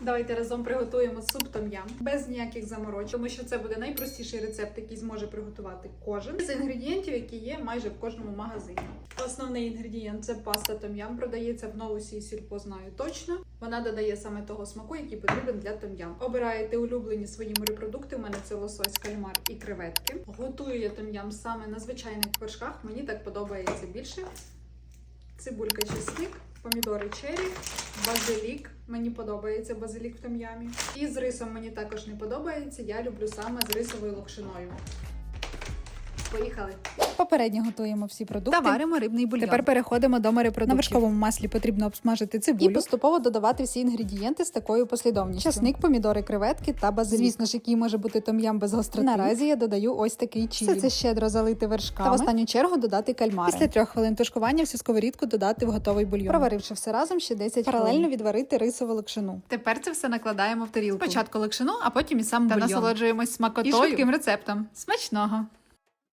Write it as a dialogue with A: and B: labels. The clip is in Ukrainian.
A: Давайте разом приготуємо суп том-ям без ніяких заморочень, тому що це буде найпростіший рецепт, який зможе приготувати кожен з інгредієнтів, які є майже в кожному магазині. Основний інгредієнт це паста том-ям, продається в Новусі і Сільпо, знаю точно. Вона додає саме того смаку, який потрібен для том-ям. Обираєте улюблені свої морепродукти. У мене це лосось, кальмар і креветки. Готую я том-ям саме на звичайних вершках. Мені так подобається більше. Цибулька, чесник, помідори черрі, базилік. Мені подобається базилік в том-ямі. І з рисом мені також не подобається. Я люблю саме з рисовою локшиною. Поїхали!
B: Попередньо готуємо всі продукти.
A: Та варимо рибний бульйон.
B: Тепер переходимо до морепродуктів.
A: На вершковому
B: маслі потрібно обсмажити цибулю.
A: І поступово додавати всі інгредієнти з такою послідовністю.
B: Часник, помідори, креветки та базилік. Звісно ж, який може бути том-ям без гостроти.
A: Наразі я додаю ось такий чилі.
B: Все це щедро залити вершками.
A: Та в останню чергу додати кальмари.
B: Після 3 хвилин тушкування всю сковорідку додати в готовий бульйон.
A: Проваривши все разом, ще 10
B: Паралельно
A: хвилин.
B: відварити рисову локшину.
A: Тепер це все накладаємо в тарілку.
B: Спочатку локшину, а потім і сам
A: Та
B: бульйон.
A: насолоджуємось смакотою
B: І швидким
A: рецептом. Смачного!